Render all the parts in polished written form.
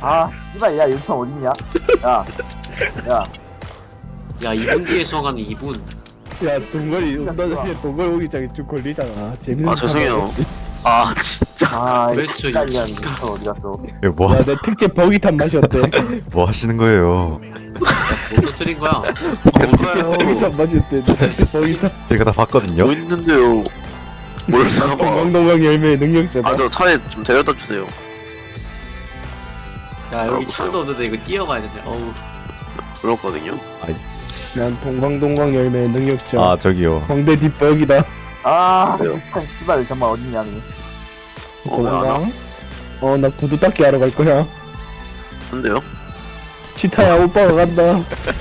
아 씨발 야 유천 어딨냐? 야 야 2분 뒤에 수학하는 2분. 야 동거리 동거리 오기장이 좀 걸리잖아. 재밌는. 아 죄송해요. 아 진짜. 아 왜 씨발 저 야 유천 어디 갔어? 이거 뭐, 야내 특제 버기탄 맛이 어때? 뭐 하시는 거예요? 뭐 터뜨린 거야? 특제 버기탄 맛이 어때? 특제 버기탄. 제가 다 봤거든요. 뭐 있는데요? 뭘 사봐. 동강동강 열매의 능력자다. 아 저 차에 좀 데려다 주세요. 야 여기 차도 없는데 이거 뛰어가야 되네. 어우. 그렇거든요. 아이씨. 난 동강동강 열매의 능력자. 아 저기요. 광대 뒷벽이다. 아 왜요? 유천 씨발 정말 어딨냐 니? 왜안 와? 나 구두 닦기 하러 갈 거야. 근데요? 치타야 오빠가 간다.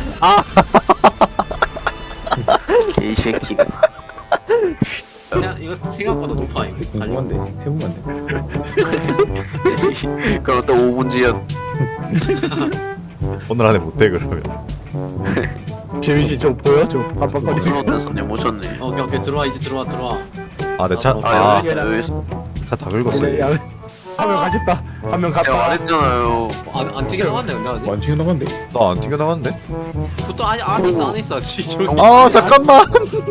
개새끼가. 야 이거 생각보다 높아 이거. 궁금한데 해보면 안 돼? 그럼 또 5분 뒤에 오늘 안에 못해 그러면. 재민 씨저 보여? 저 깜빡거리는 거. 슬롯 손님 오셨네. 오케이 들어와 이제 들어와. 아 내 차. 아, 아, 아 여기 차 다 긁었어요. 한명 가셨다. 한 명 제가 갔다. 말했잖아요. 안 튀겨 나갔네 근데 아직. 완전히 나간데. 나 안 튀겨 나갔는데? 보통 안에 있어 저기. 아 잠깐만.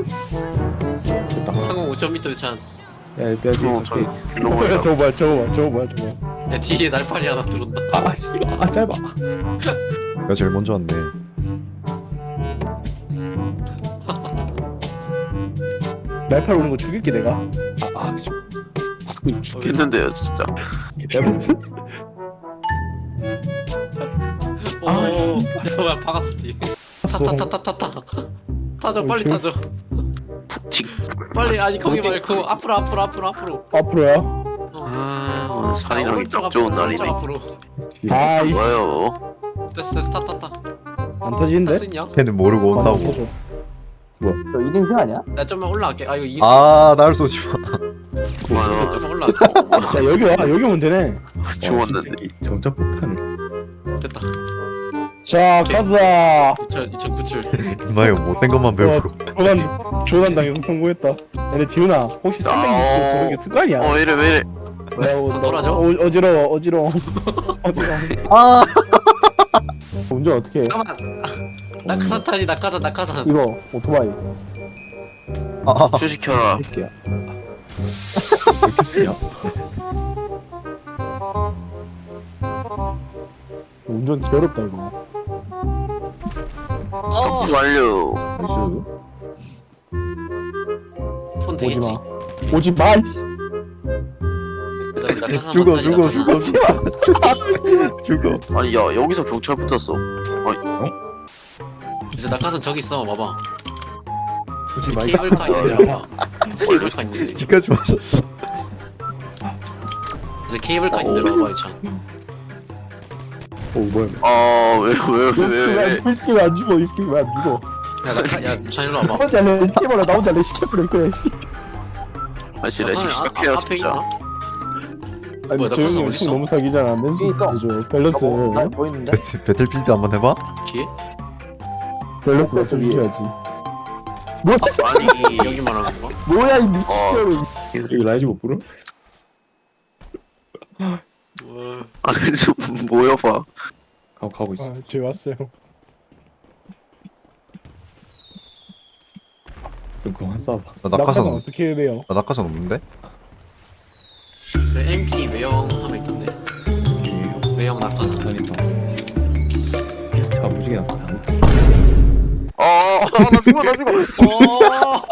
항공 5,000m 찬. 야, 빼야지. 저 오케이. 넘어가. 저거 뭐야. 야 뒤에 날파리 하나 들어온다. 아, 씨, 짧아. 내가 제일 먼저 왔네. 날팔 오는 거 죽일게 내가. 씨. 죽겠는데요 진짜. 아 씨. 뭐야 박았어 뒤에. 타타타타타. 타줘 빨리 타줘. 푹직. 빨리 아니 거기 말고 앞으로. 앞으로야. 오늘 살인하기 오른쪽 딱 좋은 앞으로, 날이네. 오른쪽 앞으로. 아이씨. 좋아요. 됐어 타. 안 터지는데? 탈수 있냐? 걔는 모르고 온다고. 터져. 너 1인승 아니야? 나 좀만 올라갈게. 아 이거 이. 아날 쏘지 마. 아, 좀만 올라갈게. 자, 여기 오면 되네. 죽었는데. 정작 폭탄을. 됐다. 자, 가자. 2009출. 임마 이거 못된 것만 배우고. 조난 당해서 성공했다. 근데 지훈아, 혹시 360도 보는 게 습관이야? 이래 왜 이래? 돌아줘? 어지러워. 아. 운전 어떻게 해? 잠깐만. 낙하산 타지 낙하산. 이거 오토바이. 아. 주식해라. 할게요. 이렇게 쓰냐? 운전 괴롭다 이거. 접수 완료. 폰 오지 되겠지. 마. 오지 마. 죽어. 아니 야 여기서 경찰 붙었어. 이제 낙하산 저기 있어. 봐봐. 오지 마. 케이블카 있는데 봐봐. 케이블카 있는데. 지까지 마셨어. 이제 케이블카 있는데 봐봐 이찬. 오 뭐야? 아왜 이 스킬 왜안 죽어? 이 스킬 왜안 죽어? 야 이찬 일로 와봐. 혼자 내 팀으로 나 혼자 내 시켜버릴 거야. 다시 레시 시작해요 앞에 진짜. 있나? 아니 뭐야, 조용히 낙하산 형 어딨어? 너무 사기잖아. 맨손 있어. 해줘. 밸런스. 나 보이는데? 배틀필드 한번 해봐. 뒤에? 밸런스 맞춰주셔야지. 뭐 아니 여기 말하는 건가? 뭐야 이 미친놈이. 이거 라이즈 못 부르? 아니 좀 모여봐. 가고 있어. 제 왔어요. 좀 그만 싸봐. 나 낙하산 어떻게 해요? 나 낙하산 없는데? 그 MP 외형 하면 있던데. 외형 낙하산. 자 무지개 나빠. 나 죽어.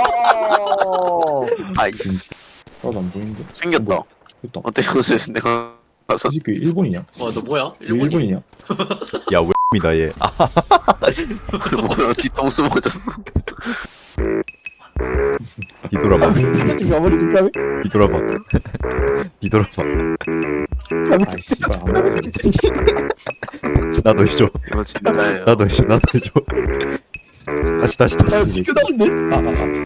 아이씨 나도 안 보이는데. 생겼다. 됐다. 어때 요새 내가 가서 사실 그 일본이냐? 와너 뭐야? 왜 일본이? 일본이냐? 야 왜입니다 얘. 아 뭐야 뒤통수 맞았어. 뒤돌아봐. 지금 아무리 집감이? 뒤돌아봐. 뒤돌아봐. 아 씨발 아무리 나도 해줘. 이거 진짜예요. 나도 해줘. 다시. 지켜다는데?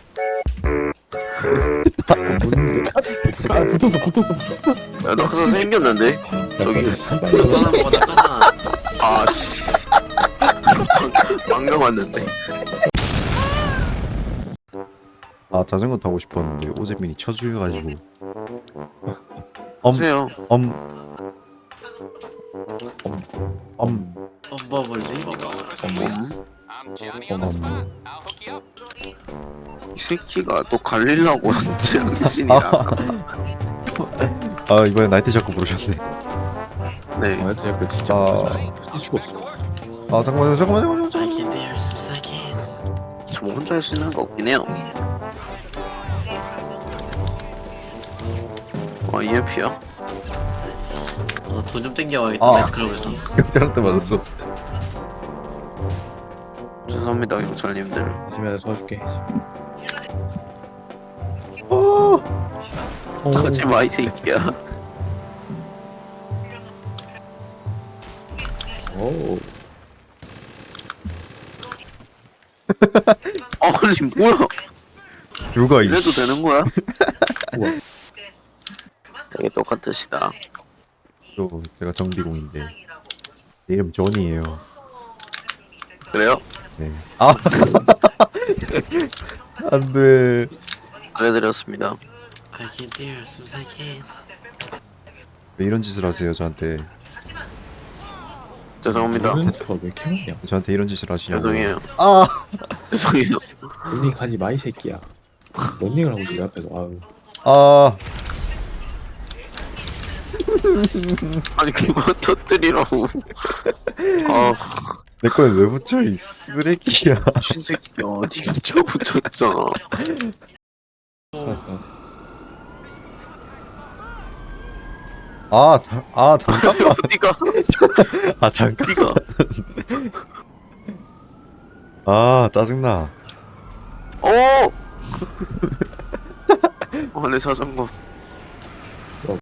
붙었어. 야 낙하산 생겼는데 저기. 낙하산 먹어 낙하산. 아씨. 방금 왔는데. 아 자전거 타고 싶었는데 오재민이 쳐주여가지고. 보세요. 뭐 멀리 이거. 이 새끼가 또 갈릴라고 정신이야. 아 이번에 나이트 샤크 부르셨네. 네. 아 진짜 진짜 아, 할 수가 없어. 아 잠깐만요. I 잠깐만요. can dare some again. 저 혼자 할 수 있는 거 없긴 해요. EMP야? 돈 좀 땡겨와야겠다. 아. 나이트클럽에서. 경찰한테 맞았어. 죄송합니다, 경찰님들. 열심히 하자 도와줄게. 하지 마, 이 새끼야. 오. 아니, 뭐야? 누가 이 이래도 씨. 되는 거야? 우와. 되게 똑같으시다. 또 제가 정비공인데 내 이름 존이에요. 그래요? 네. 아 안돼. 알려드렸습니다. I can dare some again. 왜 이런 짓을 하세요 저한테? 죄송합니다. 왜 이렇게 많냐? 저한테 이런 짓을 하시냐고. 죄송해요. 아 죄송해요. 런닝 하지 마 이 새끼야. 런닝을 하고 있어 내 앞에서. 아유. 아. 아니, 그만 터뜨리라고. 아, 내 거에 왜 붙여 이 쓰레기야. 신새끼야. 니가 저 붙였잖아. 잠깐만. 어디가? 아 잠깐. 니가? 아 짜증나. 어! 내 자전거.